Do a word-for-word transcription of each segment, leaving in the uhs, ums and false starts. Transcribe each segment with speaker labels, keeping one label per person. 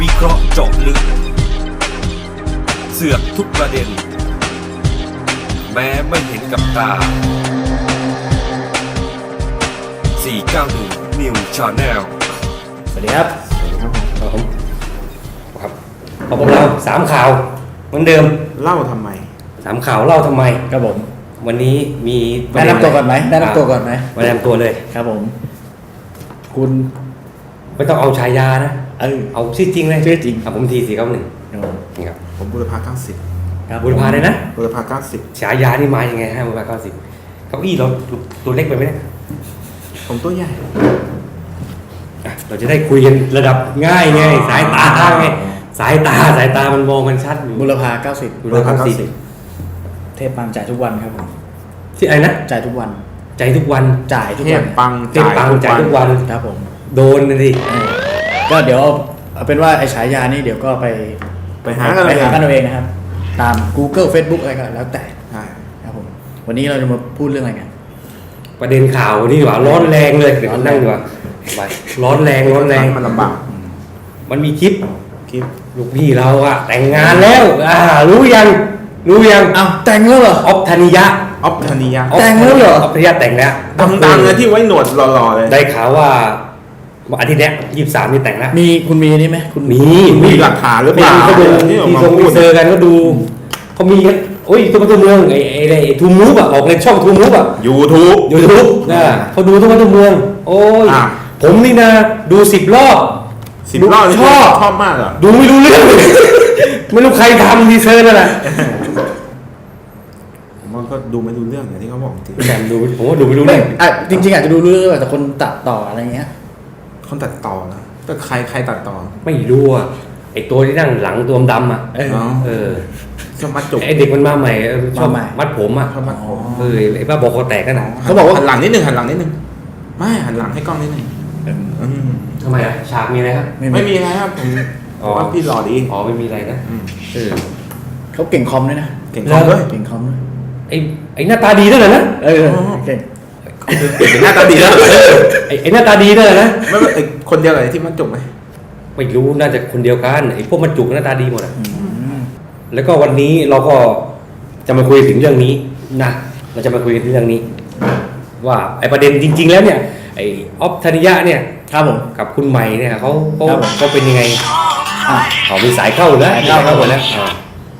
Speaker 1: วิเคราะห์เจาะลึกเสือกทุกประเด็นแม้ไม่เห็นกับตาสี่เก้าหนึ่ง New Channel
Speaker 2: สวัสดีครับ
Speaker 3: สวัสดีครับผมครับขอบคุณเราสามข่าวเหมือนเดิม
Speaker 2: เล่าทำไม
Speaker 3: สามข่าวเล่าทำไม
Speaker 2: ครับผม
Speaker 3: วันนี้มี
Speaker 2: แนะนำตัวก่อนไหมแนะนำตัวก่อนไหม
Speaker 3: มาแนะนำตัวเลย
Speaker 2: ครับผม คุณ
Speaker 3: ไม่ต้องเอาฉายานะ
Speaker 2: เออ
Speaker 3: เอาชื่อจริงเลย
Speaker 2: ชื่อจริง
Speaker 3: ครับผมทีสี่เก้าหนึ่ง
Speaker 2: ครับผม
Speaker 3: นี่ครับ
Speaker 4: ผมบุรพาเก้าสิบ
Speaker 2: ครับ
Speaker 3: บุรพาเลยนะ
Speaker 4: บุรพาเก้าสิบ
Speaker 3: ฉายานี่มายังไงฮะบุรพาเก้าสิบเก้าอี้เราตัวเล็กไปไหมเนี่ย
Speaker 4: ผมตัวใหญ่
Speaker 3: อ่ะเราจะได้คุยกันระดับง่ายไงสายตาไงสายตาสายตามันมองมันชัดอยู่
Speaker 2: บุรพาเก้าสิบ
Speaker 3: บุรพาเก้าสิบ
Speaker 2: เทพปังจ่ายทุกวันครับผม
Speaker 3: ที่อะไรนะ
Speaker 2: จ่ายทุกวัน
Speaker 3: ใจทุกวัน
Speaker 2: จ่ายทุก
Speaker 4: เท
Speaker 2: วั
Speaker 4: พ
Speaker 2: น
Speaker 4: ปัง
Speaker 3: เทพปังใจทุกวัน
Speaker 2: ครับผม
Speaker 3: โดนนะดิ
Speaker 2: เออก็เดี๋ยวเอาเป็นว่าไอ้ฉายานี่เดี๋ยวก็ไป
Speaker 4: ไปหากัน
Speaker 2: ไป
Speaker 4: เลย
Speaker 2: หากันเอาเองนะครับ ตาม Google Facebook อะไรก็แล้วแต่
Speaker 4: ใช่
Speaker 2: ครับผม วันนี้เราจะมาพูดเรื่องอะไรกัน
Speaker 3: ประเด็นข่าวนี่ดีกว่าร้อนแรงเลยเดี๋ยวนั่งดีกว่าไปร้อนแรงร้อนแรง
Speaker 4: มันลำบาก
Speaker 3: มันมีคลิป
Speaker 4: คลิป
Speaker 3: ลูกพี่เราอะแต่งงานแล้วอ่ารู้ยังรู้ยัง
Speaker 2: อ้าวแต่งแล้วเหรอ
Speaker 3: ออฟธนิยะ
Speaker 4: ออฟธนิยะ
Speaker 2: แต่งแล้วเหรอ
Speaker 3: ออฟธนิยะแต่งแล้ว
Speaker 4: ดังๆเลยที่ไว้หนวดหล่อๆเลย
Speaker 3: ได้ข่าวว่าอาทิตย์เนี้ยยี่สิบสามนี่แต่งแล้ว
Speaker 2: มีคุณมีนี่ไหมคุณ
Speaker 3: มี
Speaker 4: มีหลักฐานหรือเปล่า
Speaker 3: เขาดู
Speaker 4: ที่ออก
Speaker 3: ที่
Speaker 4: มา
Speaker 3: ทรง
Speaker 4: พู
Speaker 3: มี
Speaker 4: ด
Speaker 3: เซอร์กันก็ดูเขามีกันโอ้ยตัวตัวเมืองไอ้ไอ้ไอ้ทูมูฟอะออกในช่องทูมูฟอะ
Speaker 4: ยูทูบ
Speaker 3: ยูทูบนะเขาดูทุกวันทุกเมือง โอ้ย
Speaker 4: อ่ะ
Speaker 3: ผมนี่นะดูสิบรอบ
Speaker 4: สิบรอบนี่
Speaker 3: ชอบ
Speaker 4: ชอบมากเหรอ
Speaker 3: ดูไม่รู้เรื่อง ไม่รู้ใครทำดีเซอร์นั่นแหละ
Speaker 4: ผมว่าก็ดูไม่รู้เรื่องอย่างที่เขาบอกจริง
Speaker 3: แต่ดูผมว่าดูไม่รู้
Speaker 2: ไม่
Speaker 3: เรื่อง
Speaker 2: อ่ะจริง ๆ อาจจะดูเรื่องแต่คนตัดต่ออะไรเงี้ย
Speaker 4: คนตัดต่อนะก็ใครใครตัดต่อ
Speaker 3: ไม่รู้อ่ะไอตัวที่นั่งหลังตัวดำอ่ะ
Speaker 2: เออ
Speaker 4: อ๋อ
Speaker 3: เออ
Speaker 4: ก็มาจุก
Speaker 3: ไอเด็กมันมาใหม่เออชอบ
Speaker 2: มาใหม่
Speaker 3: มัดผมอ่ะ
Speaker 4: ชอบมัดผม
Speaker 3: เออไอบ้าบอกคอแตกกันนะ
Speaker 2: เขาบอกว่า
Speaker 4: หันหลังนิดนึงหันหลังนิดนึงไม่หันหลังให้กล้องนิดนึงอืม
Speaker 3: ทำไมอ่ะฉากมีอะไรครับ
Speaker 4: ไม่มีอะไรครับผม
Speaker 3: อ๋อ
Speaker 4: ว่าพี่หล่อดี
Speaker 3: อ๋อไม่มีอะไรนะ
Speaker 4: อืม
Speaker 3: เออ
Speaker 2: เขาเก่งคอมด้วยนะ
Speaker 4: เก่งคอมด้วย
Speaker 2: เก่งคอมด้วย
Speaker 3: ไอไอหน้าตาดีด้วยเหรอนะ
Speaker 2: เออเก่ง
Speaker 4: เป็นหน้าตาดีแล้ว
Speaker 3: ไอไอหน้าตาดีด้วยเหรอนะ
Speaker 4: ไม่ไม่ไอ้คนเดียวเลยที่มันจุกไหม
Speaker 3: ไม่รู้น่าจะคนเดียวกันไอพวกมันจุกหน้าตาดีหมดอ่ะ
Speaker 2: อืม
Speaker 3: แล้วก็วันนี้เราก็จะมาคุยถึงเรื่องนี้นะเราจะมาคุยกันถึงเรื่องนี้ ว่าไอประเด็นจริง ๆ แล้วเนี่ยไอออฟธนิยะเนี่ย
Speaker 2: ครับผม
Speaker 3: กับคุณใหม่เนี่ยเขาเขา
Speaker 2: ครับผม
Speaker 3: เขาเป็นยังไง
Speaker 2: อ่ะ
Speaker 3: เขามีสายเข้าแล้ว
Speaker 2: สายเข้า
Speaker 3: เข้าหมดแล้วอ่า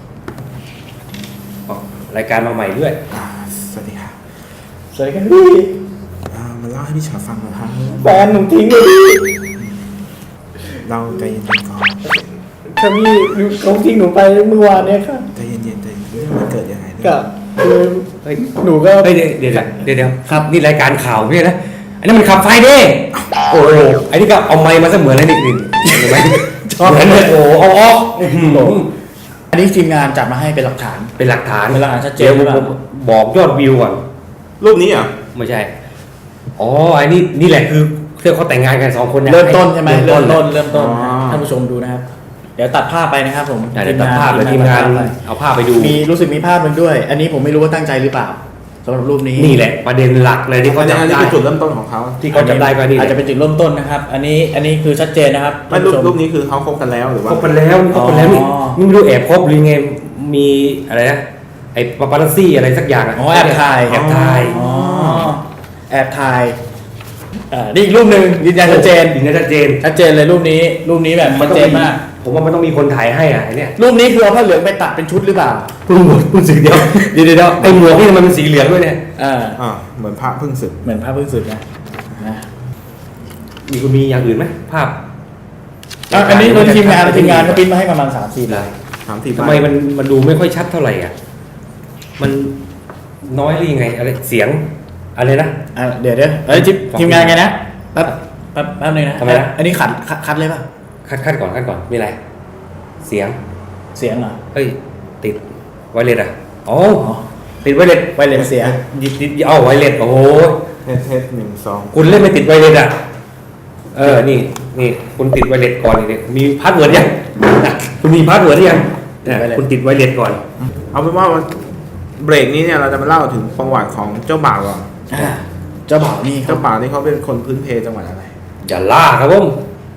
Speaker 3: อ๋อรายการมาใหม่ด้วย
Speaker 4: อ่าสวัสดีครับ
Speaker 2: สวัสดีครับพี่
Speaker 4: อ่ามาเล่าให้พี่ชาฟังหน่อยครับ
Speaker 2: แฟนหนุ่มทิ้งเลยพี่
Speaker 4: เราใจเย็นๆก่อน
Speaker 2: ครับพี่เขาทิ้งหนูไปเมื่อวานเนี่ยครับ
Speaker 4: ใจเย็นๆใจเย็นๆเรื่องมันเกิดยังไงเนี่ย
Speaker 2: กับคือ
Speaker 3: เฮ้ย
Speaker 2: หนูก็
Speaker 3: เฮ้ยเดี๋ยวเดี๋ยวเดี๋ยวเดี๋ยวครับนี่รายการข่าวไม่ใช่นะอันนี้มันขับไฟเด้โอ้โหไอ้นี่ก็เอาไม้มาเสมือนอะไรนี่นี่เห็นไหมชอบเหมือนเลยโอ้โหเอาออกอื้อหือ
Speaker 2: อันนี้ทีมงานจัดมาให้เป็นหลักฐาน
Speaker 3: เป็นหลักฐาน
Speaker 2: เป็นหลักฐานชัดเจน
Speaker 3: ดี๋ยว
Speaker 2: หรือเปล่า
Speaker 3: ผมบอกยอดวิวก่อน
Speaker 4: รูปนี้เหรอ
Speaker 3: ไม่ใช่อ๋อไอ้นี่นี่แหละคือเรื่องเขาแต่งงานกันสองคนเนี่ย
Speaker 2: เริ่มต้นใช่ไหม
Speaker 3: เริ่
Speaker 2: เริ่
Speaker 3: ม
Speaker 2: ม
Speaker 3: ต้
Speaker 2: ต้
Speaker 3: น
Speaker 2: นเริ่มต้นท่านผู้ชมดูนะครับ เดี๋ยวตัดภาพไปนะครับผม
Speaker 3: เดี๋ยวตัดภาพเลยทีมงานเอาภาพไปดู
Speaker 2: มีรู้สึกมีภาพหนึ่งด้วย อันนี้ผมไม่รู้ว่าตั้งใจหรือเปล่าสำหรับรูปนี้
Speaker 3: นี่แหละประเด็นหลักเลยที่เขา
Speaker 4: อันนี้
Speaker 3: จำ
Speaker 4: อันนี้
Speaker 3: ได้
Speaker 4: คือจุดเริ่มต้นของเขา
Speaker 3: ที่เขาจำได้ก็นี่แห
Speaker 2: อาจ
Speaker 3: ละ
Speaker 2: จะเป็นจุดเริ่มต้นนะครับ อันนี้อันนี้คือชัดเจนนะครับ
Speaker 4: ไม่รูป
Speaker 2: ท่านผู้ช
Speaker 4: รูปนี้คือเขาคบกันแล้วหรือว่า
Speaker 3: คบกันแล้วนี่คบกันแล้วนี่
Speaker 2: อ๋อ
Speaker 3: นี่ไม่รู้แอบคบหรือไงมีอะไรนะไอ้ปาปารัสซี่อะไรสักอย่างะ
Speaker 2: อ๋อแอบถ่าย
Speaker 3: แอบถ่าย
Speaker 2: อ๋อแอบถ่ายเอ่อนี่อีกรูปหนึ่งยืนยันชัดเจน
Speaker 3: ยืนยันชัดเจน
Speaker 2: ชัดเจนเลยรูปนี้ รูปนี้แบบชัดเจนมาก
Speaker 3: ผมว่ามันต้องมีคนถ่ายให้อ่ะไอ้เนี่ย
Speaker 2: รูปนี้คือเอาผ้าเหลืองไปตัดเป็นชุดหรือเปล่า
Speaker 3: เพิ่งหมดเพิ่งสึกเดียวเดี๋ยวเดี๋ยวเดี๋ยวไอ้หมวกนี่มันเป็นสีเหลืองด้วยเนี่ย
Speaker 2: เออ
Speaker 4: อ่าเหมือนพระเพิ่งศึก
Speaker 2: เหมือนภาพเพิ่งสึกนะนะ
Speaker 3: มีคุณมีอย่างอื่นไหมภาพ
Speaker 2: อ่ะอันนี้โดยทีมงานทีมงานเขาปริ้นมาให้ประมาณสามสี่ลาย
Speaker 4: ถามที
Speaker 3: ทำไมมันมันดูไม่ค่อยชัดเท่าไหร่อ่ะมันน้อยหรือยังไงอะไรเสียงอะไรนะ
Speaker 2: อ่ะเดี๋ยวเดี๋ยวเอ้ยทีมทีมงานไงนะแป๊บแป๊บแป๊บนึงนะ
Speaker 3: ทำไมนะ
Speaker 2: อันนี้ขัดขัดคัดเลยป่ะ
Speaker 3: คัดคัดก่อนคัดก่อนมีอะไร เสียง
Speaker 2: เสียงเหรอ
Speaker 3: เฮ้ยติดไวเลสอ่ะอ๋อ
Speaker 2: อ๋อ
Speaker 3: ติดไวเลส
Speaker 2: ไวเลสเสีย
Speaker 3: ยิดยิดเอาไวเลสโอ้โห
Speaker 4: เทสเทสหนึ่งสอง
Speaker 3: คุณเล่นไม่ติดไวเลสอ่ะเออนี่นี่คุณติดไวเลสก่อนนี่มีพาสเวิร์ดยังอ่ะคุณมีพาสเวิร์ดหรือยังเนี่ยคุณติดไวเลสก่อน
Speaker 4: เอาเป็นว่าเบรกนี้เนี่ยเราจะมาเล่าถึงประวัติของเจ้าบ่าวก่อน
Speaker 2: อ่าเจ้าบ่าวนี่ครั
Speaker 4: เจ้า
Speaker 2: บ
Speaker 4: บ่าวนี่เขาเป็นคนพื้นเพจังหวัดอะไร
Speaker 3: อย่าล่าครับผม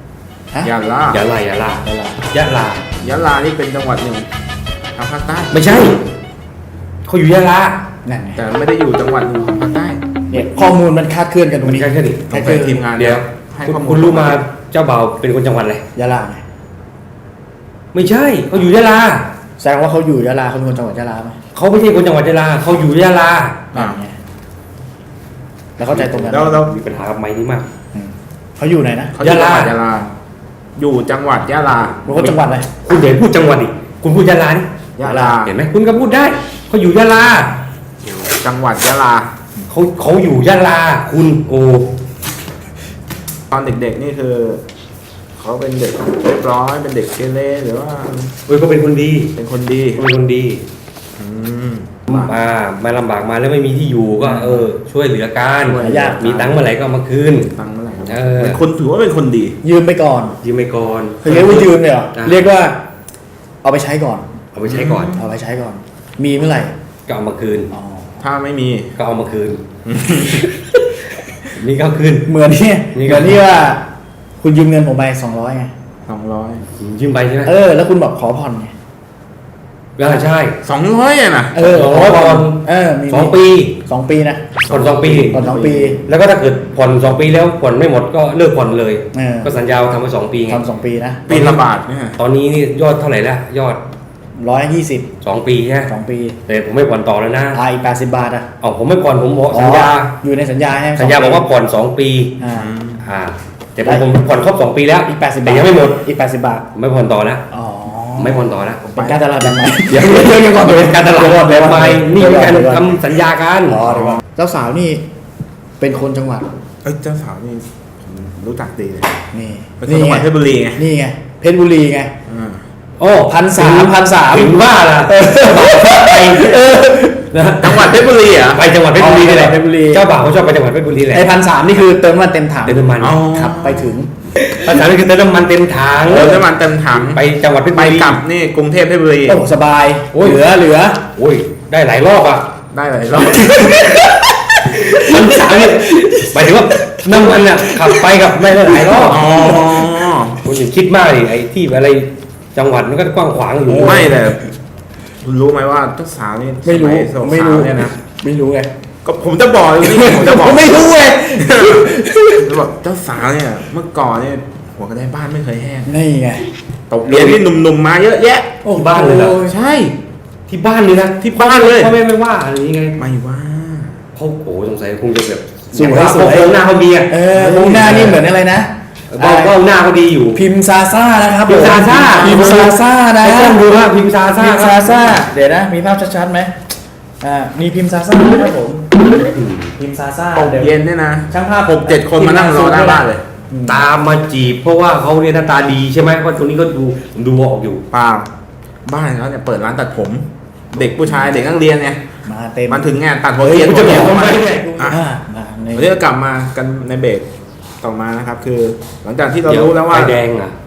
Speaker 2: ฮะ
Speaker 4: ยะลาย
Speaker 3: ะลายะลาย
Speaker 2: ะลาย
Speaker 3: ะลาย
Speaker 4: ะลานี่เป็นจังหวัดหนึ่งทางภาคใต้
Speaker 3: ไม่ใช่เขาอยู่ยะลา
Speaker 2: นั่นไง
Speaker 4: แต่ไม่ได้อยู่จังหวัดหนึ่งของภาคใต้
Speaker 2: เนี่ยข้อมูลมันคลาดเคลื่อนกันตรง
Speaker 3: ไม่
Speaker 2: นี้
Speaker 3: ใช่แค่นี้
Speaker 4: ต้องไปทีมงาน
Speaker 3: เดี๋ยว
Speaker 4: ให้
Speaker 3: คุณ
Speaker 4: ข้อมูล
Speaker 3: คุณรู้มาเจ้าบ่าวเป็นคนจังหวัดอะไร
Speaker 2: ยะลาไง
Speaker 3: ไม่ใช่เขาอยู่ยะลา
Speaker 2: แสดงว่าเขาอยู่ยะลาเขาเป็นคนจังหวัดยะลาไหม
Speaker 3: เขาไม่ใช่คนจังหวัดยะลาเขาอยู่ยะลา
Speaker 2: นั่นไงแล้วเข้าใจตรงกัน
Speaker 4: แล้วแล้ว
Speaker 3: มีปัญหากับไม้นี้มาก
Speaker 2: อืมเขาอยู่ไหนนะ
Speaker 4: เขาอยู่จังหวัด
Speaker 3: ยะ
Speaker 4: ยะ
Speaker 3: ลา
Speaker 4: ลา อยู่จังหวัดยะลา
Speaker 2: รู้เขาจังหวัดอะไร
Speaker 3: คุณอย่าพูดจังหวัดดิคุณพูดยะลานี่
Speaker 4: ยะลา
Speaker 3: เห็นไหมคุณก็พูดได้เขาอยู่ยะลา
Speaker 4: จังหวัดยะลา
Speaker 3: เขาเขาอยู่ยะลาคุณโอ
Speaker 4: ตอนเด็กๆนี่คือเขาเป็นเด็กเรียบร้อยเป็นเด็กเกเรหรือว่า
Speaker 3: เฮ้ยเขาเป็นคนดี
Speaker 4: เป็นคนดี
Speaker 3: เขาเป็นคนดี
Speaker 4: อืม
Speaker 3: มามาลำบากมาแล้วไม่มีที่อยู่ก็เออ ช่วยเหลือกัน
Speaker 4: ช่วย
Speaker 2: ยาก
Speaker 3: มีตังค์เมื่อไหร่ก็เอามาคืน
Speaker 4: ตังค์เมื่อไหร่ครับ
Speaker 3: เออ
Speaker 4: เป็นคนถือว่าเป็นคนดี
Speaker 2: ยืมไปก่อน
Speaker 3: ยืมไปก่อน
Speaker 2: คือเรียกว่ายืมเลยเหรอ
Speaker 3: อ่ะ
Speaker 2: เรียกว่าเอาไปใช้ก่อน
Speaker 3: เอาไปใช้ก่อน
Speaker 2: เอาไปใช้ก่อน มีเมื่อไหร่
Speaker 3: ก็เอามาคืน
Speaker 2: อ๋อ
Speaker 4: ถ้าไม่มี
Speaker 3: ก็เอามาคืน นี่ก็เอาคืน
Speaker 2: เหมือนที่
Speaker 3: นี่
Speaker 2: เห
Speaker 3: ก็
Speaker 2: มือนที่ว่า คุณยืมเงินผมไปสองร้อยไง
Speaker 4: สองร้อย
Speaker 3: ยืมไปใช่ไหม
Speaker 2: เออ แล้วคุณบอกขอผ่อนไง
Speaker 3: ก็ใช่
Speaker 4: สองร้อยอ่ะนะ
Speaker 2: เออ
Speaker 3: สองร้อยผ่อน
Speaker 2: เออมี
Speaker 3: สองปี
Speaker 2: สองปีนะ
Speaker 3: ผ่อนสองปี
Speaker 2: ผ่อนสองปี
Speaker 3: แล้วก็ถ้าเกิดผ่อนสองปีแล้วผ่อนไม่หมดก็เลิกผ่อนเลย
Speaker 2: เออ
Speaker 3: ก็สัญญาทำไปสองปีไง
Speaker 2: ทำสองปีนะ
Speaker 4: ปีละบาทเนี่ย
Speaker 3: ตอนนี้นี่ยอดเท่าไหร่แล้วยอด
Speaker 2: ร้อยยี่สิบ
Speaker 3: สองปีใช่ไหม
Speaker 2: สองปี
Speaker 3: แต่ผมไม่ผ่อนต่อแล้วนะ
Speaker 2: อ่าอีกแปดสิบบาทอ่ะ
Speaker 3: อ๋อผมไม่ผ่อนผมบอกสัญญา
Speaker 2: อ๋ออยู่ในสัญญาใช่ไหม
Speaker 3: สัญญาบอกว่าผ่อนสองปี
Speaker 2: อ่า
Speaker 3: อ่าแต่ผมผมผ่อนครบสองปีแล้ว
Speaker 2: อีกแปดสิบ
Speaker 3: แต่
Speaker 2: บาท
Speaker 3: ยังไม่หมด
Speaker 2: อีกแปดสิบบาท
Speaker 3: ผมไม่ผ่อนต่อนะ
Speaker 2: อ๋อ
Speaker 3: ไม่ผ่อนต่อนะ
Speaker 2: เป็นการตลาดแบบใหม่
Speaker 3: เดี๋ยวเดี๋ยวเดี๋ยวก่อนเป็นการตลาดแบบใหม่นี่เป็นการ
Speaker 2: เดี๋ยวก่อน
Speaker 3: ทำสัญญากัน
Speaker 2: อ๋อเดี๋ยวก่อนเจ้าสาวนี่เป็นคนจังหวัด
Speaker 4: เอ้ยเจ้าสาวนี่ผมรู้จักดีเลย
Speaker 2: นี่
Speaker 4: เป็นคนจังหวัดเพชรบุรีไง
Speaker 2: นี่ไงเพชรบุรีไง
Speaker 4: อ่า
Speaker 3: โอ้
Speaker 2: พันสามพันสาม
Speaker 3: ถึงว่าล่ะไปนะ
Speaker 4: จังหวัดเพชรบุรีเหรอ่ะ
Speaker 3: ไปจังหวัดเพชรบุรีนี่แหละ
Speaker 2: เพชรบุรี
Speaker 3: เจ้าบ่าวเขาชอบไปจังหวัดเพชรบุรีแหละ
Speaker 2: ไอ้พันสามนี่คือเติมน้ำมันเต็มถัง
Speaker 3: เติมน้ำมัน
Speaker 4: อ๋อ
Speaker 2: ขับไปถึง
Speaker 3: ภาษาอังกฤษเติมน้ำมันเต็มถัง
Speaker 4: เติมน้ำมันเต็มถัง
Speaker 3: ไปจังหวัดเพชร
Speaker 4: ไป
Speaker 3: บุรี
Speaker 4: กลับนี่กรุงเทพเพชรบุรี
Speaker 2: โอ้สบาย
Speaker 3: โอ้ย
Speaker 2: เหลือเหลือ
Speaker 3: โอ้ยได้หลายรอบอ่ะ
Speaker 4: ได้หลายรอบ
Speaker 3: มันสามเนี่ยหมายถึงว่าน้ำมันอ่ะขับไปกับไม่ได้หลายรอบ
Speaker 4: อ๋อ
Speaker 3: คุณอย่าคิดมากดิไอ้ที่อะไรจังหวัดมันก็กว้างขวางอยู่
Speaker 4: ไม่แต่คุณรู้ไหมว่าเจ้าสาวนี่
Speaker 2: ไม่รู้
Speaker 4: สาว
Speaker 2: ไม่รู้
Speaker 4: เนี่ยนะ
Speaker 2: ไม่รู้ไง
Speaker 4: ก็ผมจะบอกเลยนี่ผมจะบอก
Speaker 2: ไม่รู้ไง
Speaker 4: จะบอกเจ้าสาวเนี่ยเมื่อก่อนเนี่ยหัวกระไดบ้านไม่เคยแห้ง
Speaker 2: นี่ไง
Speaker 4: ตกเรียนที่หนุ่มๆมาเยอะแยะ
Speaker 2: โอ้
Speaker 3: บ้านเลยเหรอ
Speaker 4: ใช่
Speaker 3: ที่บ้านเลยนะ
Speaker 4: ที่บ้านเลย
Speaker 3: พ่อแม่ไม่ว่าอะไรอย่างเงี้ย
Speaker 4: ไม่ว่า
Speaker 3: เขาโอ้สงสัยคงจะแบบ
Speaker 2: สวย
Speaker 3: อาง
Speaker 2: สวย
Speaker 3: โครงหน้าเขาดีอ่ะ
Speaker 2: เออวงหน้านี่เหมือนอะไรนะ
Speaker 3: เบ้าเบ้าหน้าเขาดีอยู่
Speaker 2: พิมพ์ซาซ่านะครับ
Speaker 3: พิมพ์ซาซ่า
Speaker 2: พิมพ์ซาซ่านะ
Speaker 3: ให้กล้องดูว่าพิมพ์ซาซ่า
Speaker 2: พิมพ์ซาซ่าเดี๋ยวนะ มีภาพชัดๆไหมอ่ามีพิมพ์ซาซ่านะครับผมพิมพ์ซาซ่า
Speaker 4: ตก
Speaker 2: เดี๋ยว
Speaker 4: เย็นเนี่ยนะ
Speaker 2: ช่างภาพ
Speaker 4: หกเจ็ดคนมานั่งรอหน้าบ้านเลย
Speaker 3: ตามมาจีบเพราะว่าเขาเนี่ยหน้าตาดีใช่ไหมเพราะตัวนี้ก็ดูผมดูออกอยู่
Speaker 4: เปล่าบ้านเขาเนี่ยเปิดร้านตัดผม เด็กผู้ชายเด็กนักเรียนเนี่ย
Speaker 2: มาเต็ม
Speaker 4: มันถึงงานตัดหัว
Speaker 3: เฮ้ย
Speaker 4: เทียน
Speaker 3: คุณจะ
Speaker 4: หัว
Speaker 3: บอก
Speaker 4: เทียน
Speaker 3: ทำไม
Speaker 4: อ่ะ
Speaker 2: อ่ามาใน
Speaker 4: วันนี้ก็กลับมากันในเบรกต่อมานะครับ คือหลังจากที่เรา
Speaker 3: เดี๋ยว
Speaker 4: รู้แล้วว่า
Speaker 3: ไฟแดงอ่ะ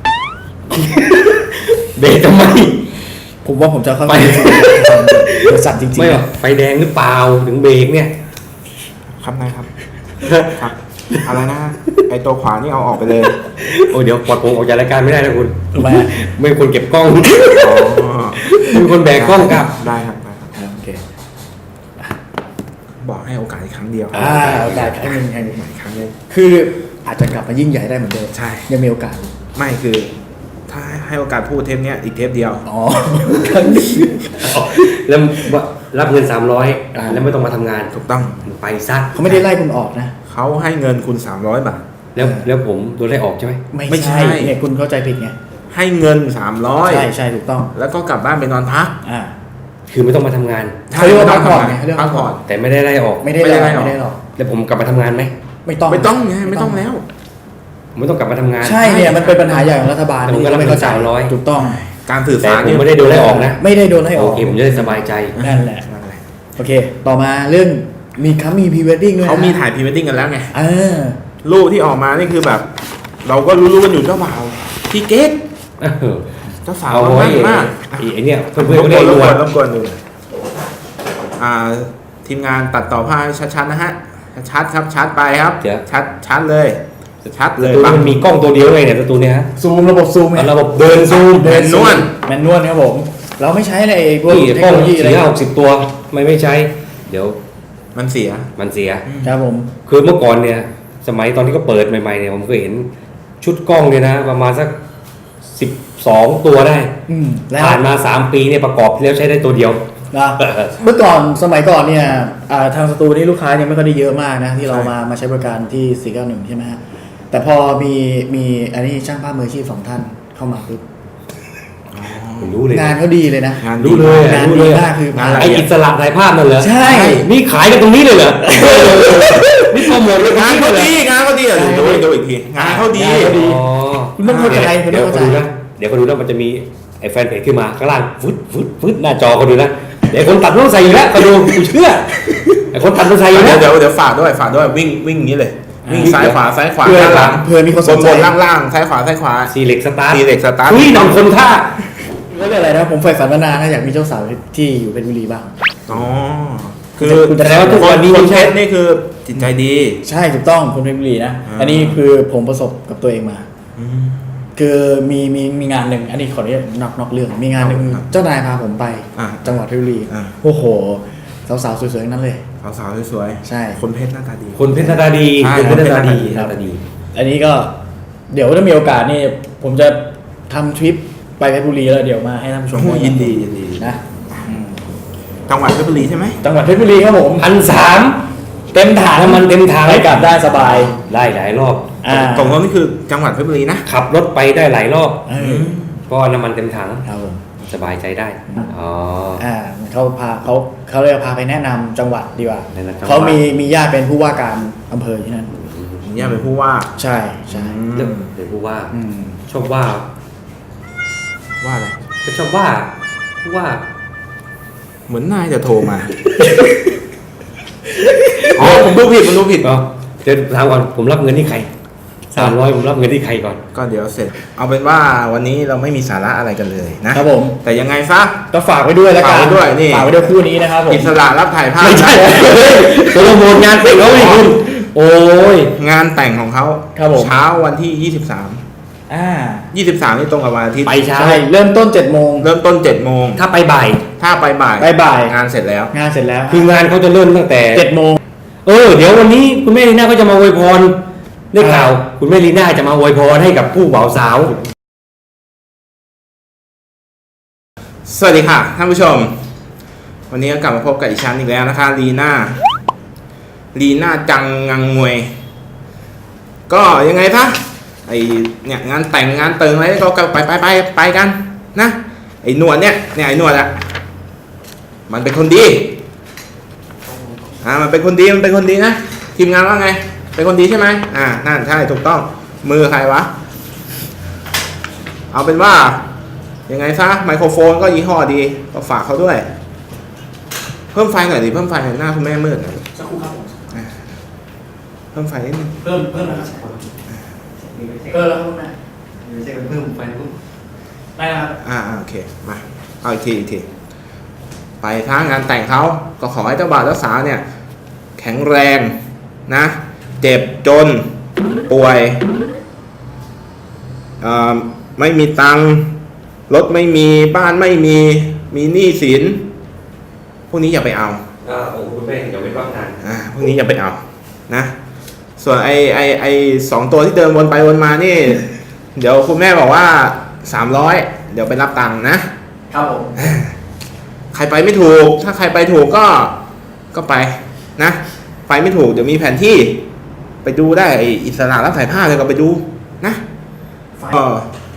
Speaker 3: เบรกทำไม
Speaker 2: ผมว่าผมจะเข้า
Speaker 3: ไป
Speaker 2: ไปบริษัทจริง
Speaker 3: ไม่
Speaker 2: ๆ
Speaker 3: หรอกไฟแดงหรือเปล่าถึงเบรกเนี่ย
Speaker 4: ครับนายครับ ครับ อะไรนะไอตัวขวานี่เอาออกไปเลย
Speaker 3: โอ้เดี๋ยวปลดผมออกจากรายการไม่ได้นะคุณ
Speaker 2: ทำไม
Speaker 3: ไม่เป็นคนเก็บกล้อง
Speaker 4: อ๋อ
Speaker 3: เป็นคนแบกกล้องกลับ
Speaker 4: ได้ครับได้ครับ
Speaker 2: อ่าโอเค
Speaker 4: บอกให้โอกาสอีกครั้งเดียว
Speaker 2: อ่าโอกาสครั้งหนึ่งครั้งหนึ่ง
Speaker 4: อีกครั้งหนึง
Speaker 2: คืออาจจะกลับมายิ่งใหญ่ได้เหมือนเดิม
Speaker 4: ใช่
Speaker 2: ยังมีโอกาส
Speaker 4: ไม่คือ ถ้าให้โอกาสพูดเทปเนี้ยอีกเทปเดียว
Speaker 2: อ๋อครั้งนี้
Speaker 3: แล้วรับเงินสามร้อยแล้วไม่ต้องมาทำงาน
Speaker 4: ถูกต้อง
Speaker 3: ไปซะ
Speaker 2: เขาไม่ได้ไล่คุณออกนะ
Speaker 4: เขาให้เงินคุณสามร้อยบาท
Speaker 3: แล้วแล้วผมโดนไล่ออกใช่ไหม
Speaker 2: ไม่
Speaker 4: ไม่ใช่
Speaker 2: ใช่เนี่ยคุณเข้าใจผิดไง
Speaker 4: ให้เงินสามร้อย
Speaker 2: ใช่ใช่ถูกต้อง
Speaker 4: แล้วก็กลับบ้านไปนอนพัก
Speaker 2: อ่า
Speaker 3: คือไม่ต้องมาทำงาน
Speaker 2: เขาเรียกว่าพักผ่อนไงเขาเรียกว่า
Speaker 4: พักผ่อน
Speaker 3: แต่ไม่ได้ไล่ออก
Speaker 2: ไม่ได้
Speaker 4: ไม่
Speaker 2: หร
Speaker 4: ได้
Speaker 2: อก
Speaker 4: ไล่ออก
Speaker 2: ไม่ได้หรอก
Speaker 3: แล้วผมกลับมาทำงานไหม
Speaker 2: ไม่ต้อง
Speaker 4: ไม่ต้องไงไม่ต้องแล้ว
Speaker 3: ผมไม่ต้องกลับมาทำงาน
Speaker 2: ใช่เนี่ยมันเป็นปัญหาใหญ่ของรัฐบาล
Speaker 3: แต่ผมก็รับ
Speaker 2: ไม่เข้าใจ
Speaker 3: สามร้อย
Speaker 2: ถูกต้อง
Speaker 4: การสื่อ
Speaker 3: แต่
Speaker 4: สาร
Speaker 3: ผม
Speaker 4: เนี่ย
Speaker 3: ไม่ได้โดนไล่ออกนะ
Speaker 2: ไม่ได้โดนให้อ
Speaker 3: โอ
Speaker 2: อก
Speaker 3: เคผมจะได้สบายใจ
Speaker 2: นั่นแหละ
Speaker 4: นั่นแหละ
Speaker 2: โอเค ต่อมาเรื่องมีคัมมีพรีเวดดิ้งด้วยนะ
Speaker 4: เขามีถ่ายพรีเวดดิ้งกันแล้วไง
Speaker 2: เออ
Speaker 4: รูปที่ออกมานี่คือแบบ เราก็รู้ๆกันอยู่เจ้าบ่าวพี่เกต
Speaker 3: เออ
Speaker 4: เจ้าสาว
Speaker 3: เอา
Speaker 4: ก็
Speaker 3: ไว้
Speaker 4: มั่นมาก
Speaker 3: ไอ้ไอ้เนี่ยเพื่อน
Speaker 4: ร
Speaker 3: เพื่อน
Speaker 4: บ
Speaker 3: ก็
Speaker 4: ก
Speaker 3: ได้
Speaker 4: วนร
Speaker 3: ดู
Speaker 4: บกว
Speaker 3: อะ
Speaker 4: นรบกวนดูอ่าทีมงานตัดต่อภาพให้ชัดๆนะฮะชัดๆครับชัดไปครับ
Speaker 3: เดี๋ยว
Speaker 4: ชัดชัดเลยชัด
Speaker 3: ส
Speaker 4: เลย
Speaker 3: ตู
Speaker 4: ปะ
Speaker 3: มันมีกล้องตัวเดียวไงเนี่ยสตูเนี่ยฮะ
Speaker 2: ซูมระบบซูมไง
Speaker 3: ระบบเดินซูม
Speaker 4: แมนนวล
Speaker 2: แมนนวลครับผม เราไม่ใช้อะไรพวก
Speaker 3: นี่
Speaker 2: เทค
Speaker 3: กล้อง
Speaker 2: โนโลยีอะไร
Speaker 3: สี่ห้าหกสิบตัวไม่ไม่ใช้ เดี๋ยว
Speaker 4: มันเสีย
Speaker 3: มันเสีย
Speaker 2: ครับผม
Speaker 3: คือเมื่อก่อนเนี่ย สมัยตอนที่เขาเปิดใหม่ๆเนี่ยผมเคยเห็นชุดกล้องเนี่ยนะ ประมาณสักสิบสองตัวได้
Speaker 2: อืมแล้ว
Speaker 3: ผ่านมาสามปีเนี่ยประกอบแล้วใช้ได้ตัวเดียว
Speaker 2: นะเมื่อก่อนสมัยก่อนเนี่ยอ่าทางสตูนี่ลูกค้ายังไม่ค่อยได้เยอะมากนะที่เรา
Speaker 4: ใช่
Speaker 2: มามาใช้บริการที่สี่เก้าหนึ่งใช่ไหมฮะแต่พอมีมีอันนี้ช่างภาพมืออาชีพสองท่านเข้ามาปุ๊บ
Speaker 3: ผมรู้เลย
Speaker 2: งานเขาดีเลยนะ
Speaker 4: งาน
Speaker 3: รู้เลย
Speaker 2: งาน
Speaker 3: รู้
Speaker 2: ดี
Speaker 3: เลย
Speaker 2: มากคือ
Speaker 4: งานอะไร
Speaker 3: ไออิสระถ่ายภาพนั่นเหรอ
Speaker 2: ใช่
Speaker 3: นี่ขายกันตรงนี้เลยเหรอ นี่โปรโมทเลย
Speaker 4: งานเขา
Speaker 3: เลย
Speaker 4: ดีงานเขาดีเดี๋ยวดูดูอีกทีงานเขาดี
Speaker 2: งานเขาดี
Speaker 3: อ๋อ
Speaker 2: คุณต้องเข้าใจคุณ
Speaker 3: เดี๋
Speaker 2: ต้
Speaker 3: ย
Speaker 2: อ
Speaker 3: ว
Speaker 2: ง
Speaker 3: เขา
Speaker 2: เข้า
Speaker 3: ดู
Speaker 2: ใจ
Speaker 3: นะเดี๋ยวเขาดูนะมันจะมีไอ้แฟนเพจขึ้นมาข้างล่างฟึดฟึดฟึดหน้าจอเขาดูนะเดี๋ยวคนตัดต้องใส่อยู่แล้วเขาดูกูเชื่อไอ้คนตัดต้องใส่อยู่
Speaker 4: เดี๋
Speaker 3: แล้
Speaker 4: ยว วเดี๋ยวเดี๋ยวฝากด้วยฝากด้วยวิ่งวิ่งอย่างนี้เลย วิ่งซ้ายขวาซ้ายขวา
Speaker 3: เพื่อ
Speaker 4: ด้านหลัง
Speaker 2: เพื่อมีคนสนใจ
Speaker 4: บนล่างล่างซ้ายขวาซ้ายขวา
Speaker 3: ซีเล็กสตาร์
Speaker 4: ซีเล็กสตาร์ท
Speaker 3: อุ้ยนำคนท่า
Speaker 2: ก็เรื่องอะไรนะผมใฝ่ฝันมานานนะอยากมีเจ้าสาวที่อยู่เพชรบุรีบ้าง
Speaker 4: อ๋อคือ
Speaker 2: คุณจะ
Speaker 3: แต่ว่าทุกวันนี้
Speaker 4: ค
Speaker 3: ไม่
Speaker 4: นเพ
Speaker 3: ใช่
Speaker 4: ชรนี่คือจิตใจดี
Speaker 2: ใช่ถูกต้องคนเพชรบุรีนะ
Speaker 4: อ่า
Speaker 2: อันนี้คือผมประสบกับตัวเองมา คือมีมีมีงานหนึ่งอันนี้ขออนุญาตนอกนอกเรื่อง มีงานหนึ่ง
Speaker 4: ครับ
Speaker 2: เจ้านายพาผมไป
Speaker 4: อ่า
Speaker 2: จังหวัดเพชรบุรี
Speaker 4: อ่า
Speaker 2: โอ้โหสาวๆสวยๆทั้งนั้นเลย
Speaker 4: สาวๆสวยๆ
Speaker 2: ใช่
Speaker 4: คนเพชรหน้าตาดี
Speaker 3: คนเพชรหน้าตาดี
Speaker 4: ใช่
Speaker 3: คนเพชรหน้าตาดี
Speaker 4: คนเพชร
Speaker 3: หน้าตาดี
Speaker 2: อันนี้ก็เดี๋ยวถ้ามีโอกาสนี่ผมจะทำทริปไปเพชรบุรีแล้วเดี๋ยวมาให้ท่านผู้ชม
Speaker 4: โอ้โหยินดียินดี
Speaker 2: นะอืม
Speaker 4: จังหวัดเพชรบุรีใช่ไหม
Speaker 2: จังหวัดเพชรบุรีครับผม
Speaker 3: พันสาม
Speaker 2: เต็มถัง
Speaker 3: น้ำมันเต็มถัง
Speaker 2: ไปกลับได้สบาย
Speaker 3: ได้หลายรอบ
Speaker 2: อ่า
Speaker 4: ตรงนั้นนี่คือจังหวัดเพชรบุรีนะ
Speaker 3: ขับรถไปได้หลายรอบ
Speaker 2: เออ
Speaker 3: เพราะน้ำมันเต็มถัง
Speaker 2: ครับผม
Speaker 3: สบายใจได้อ๋อ
Speaker 2: อ่าเขาพาเขาเขาเลยพาไปแนะนำจังหวัดดีกว่า
Speaker 3: แนะนำจังหวัด
Speaker 2: เขามีมีญาติเป็นผู้ว่าการอำเภอที่นั่น
Speaker 4: เนี่ยเป็นผู้ว่า
Speaker 2: ใช่ใช่
Speaker 3: เรื่องเดี๋ยวพูดว่า
Speaker 2: อืม
Speaker 3: ชอบว่า
Speaker 4: ว่าอะไร
Speaker 3: ก็ชอบว่าพูดว่า
Speaker 4: เหมือนนายจะโทรมา อ๋อผมดูผิดผมดูผิด
Speaker 3: อ๋อเดี๋ยวถามก่อนผมรับเงินที่ใครสามร้อยผมรับเงินที่ใครก่อน
Speaker 4: ก็เดี๋ยวเสร็จ เอาเป็นว่าวันนี้เราไม่มีสาระอะไรกันเลยนะ
Speaker 2: ครับผม
Speaker 4: แต่ยังไงซะ
Speaker 2: ก็ฝากไว้ด้วยแล้วกัน
Speaker 4: ฝากไว้ด้วยนี่
Speaker 2: ฝากไว้ด้วยคู่นี้นะครับผม
Speaker 4: อิสระรับถ่ายภาพ
Speaker 3: ไม่ใช่
Speaker 4: นะ
Speaker 3: โปรโมทงานแต่งเขาไม่คุณโอ้ย
Speaker 4: งานแต่งของเขา
Speaker 2: ครับผม
Speaker 4: เช้าวันที่ยี่สิบสาม
Speaker 2: อ่า
Speaker 4: ยี่สิบสามนี่ตรงกับวันอาทิตย์
Speaker 3: ไปเช้า
Speaker 2: ใช่เริ่มต้นเจ็ดโมง
Speaker 4: เริ่มต้นเจ็ดโมง
Speaker 3: ถ้าไปบ่าย
Speaker 4: ถ้าไปบ่าย
Speaker 2: ไปบ่าย
Speaker 4: งานเสร็จแล้ว
Speaker 2: งานเสร็จแล้ว
Speaker 3: คืองานเขาจะเริ่มตั้งแต่
Speaker 2: เจ็ดโมง
Speaker 3: เออเดี๋ยววันนี้คุณแม่ลีน่าก็จะมาอวยพรได้ข่าว คุณแม่ลีน่าจะมาอวยพรให้กับผู้บ่าวสาว
Speaker 4: สวัสดีค่ะท่านผู้ชม วันนี้ก็กลับมาพบกับอีชันอีกแล้วนะคะลีน่าลีน่าจังงังงวย ก็ยังไงซะไอเนี่ยงานแต่งงานเติงอะไรก็ไปไปไปไปกันนะไอหนวดเนี่ยเนี่ยไอหนวดอะมันเป็นคนดีอ่ามันเป็นคนดีมันเป็นคนดีนะทีมงานว่าไงเป็นคนดีใช่ไหมอ่านั่นใช่ถูกต้องมือใครวะเอาเป็นว่ายังไงซะไมโครโฟนก็ยี่ห้อดีก็ฝากเขาด้วย เพิ่มไฟหน่อยดิเพิ่มไฟหน่อยหน้าคุณแม่มืดหน่อย
Speaker 2: สักครู่ครับผม
Speaker 4: เพิ่มไฟนิดนึง
Speaker 2: เพิ่มเพิ่มนะครับเออแล้วครับคุณแม่
Speaker 3: ไม่ใช่เพิ่มไฟปุ๊บ
Speaker 2: ได้ครับ
Speaker 4: อ่าอ่าโอเคมาเอาอีกทีอีกทีไปทางงานแต่งเขาก็ขอให้เจ้าบ่าวเจ้าสาวเนี่ย แข็งแรงนะ เจ็บจนป่วยเอ่อไม่มีตังค์รถไม่มีบ้านไม่มีมีหนี้สินพวกนี้อย่าไปเอา
Speaker 3: อ่าโอ้คุณแม่เดี๋ยวไปรับงาน
Speaker 4: อ่าพวกนี้อย่าไปเอานะส่วนไอไอไอสองตัวที่เดินวนไปวนมานี่ เดี๋ยวคุณแม่บอกว่าสามร้อยเดี๋ยวไปรับตังค์นะครับ
Speaker 2: ผม
Speaker 4: ใครไปไม่ถูก ถ้าใครไปถูกก็ก็ไปนะไปไม่ถูกเดี๋ยวมีแผนที่ไปดูได้ไออิสระรับถ่ายภาพเลยก็ไปดูนะเออ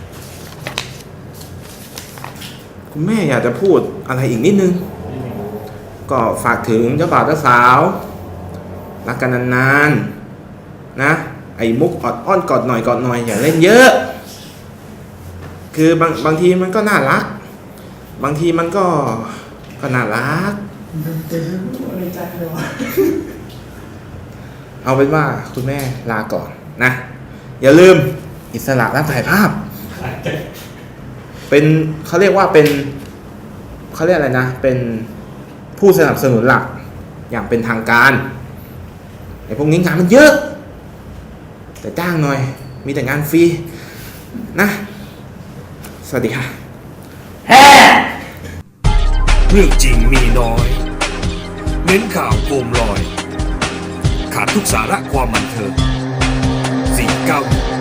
Speaker 4: คุณแม่อยากจะพูดอะไรอีกนิดนึง ก็ฝากถึงเจ้าบ่าวเจ้าสาวรักกันนานๆนะไอ้มุกออดอ้อนกอดหน่อยกอดหน่อยอย่าเล่นเยอะ คือบางบางทีมันก็น่ารัก บางทีมันก็ก็น่ารัก เอาเป็นว่าคุณแม่ลาก่อนนะ อย่าลืมอิสระรับถ่ายภาพ เป็นเขาเรียกว่าเป็นเขาเรียกอะไรนะ เป็นผู้สนับสนุนหลักอย่างเป็นทางการไอ้พวกนี้งานมันเยอะแต่จ้างหน่อย มีแต่งานฟรีนะ สวัสดีค่ะ
Speaker 1: เรื่องจริงมีน้อย เน้นข่าวโคมลอย ขาดทุกสาระความบันเทิงสี่เก้าหนึ่ง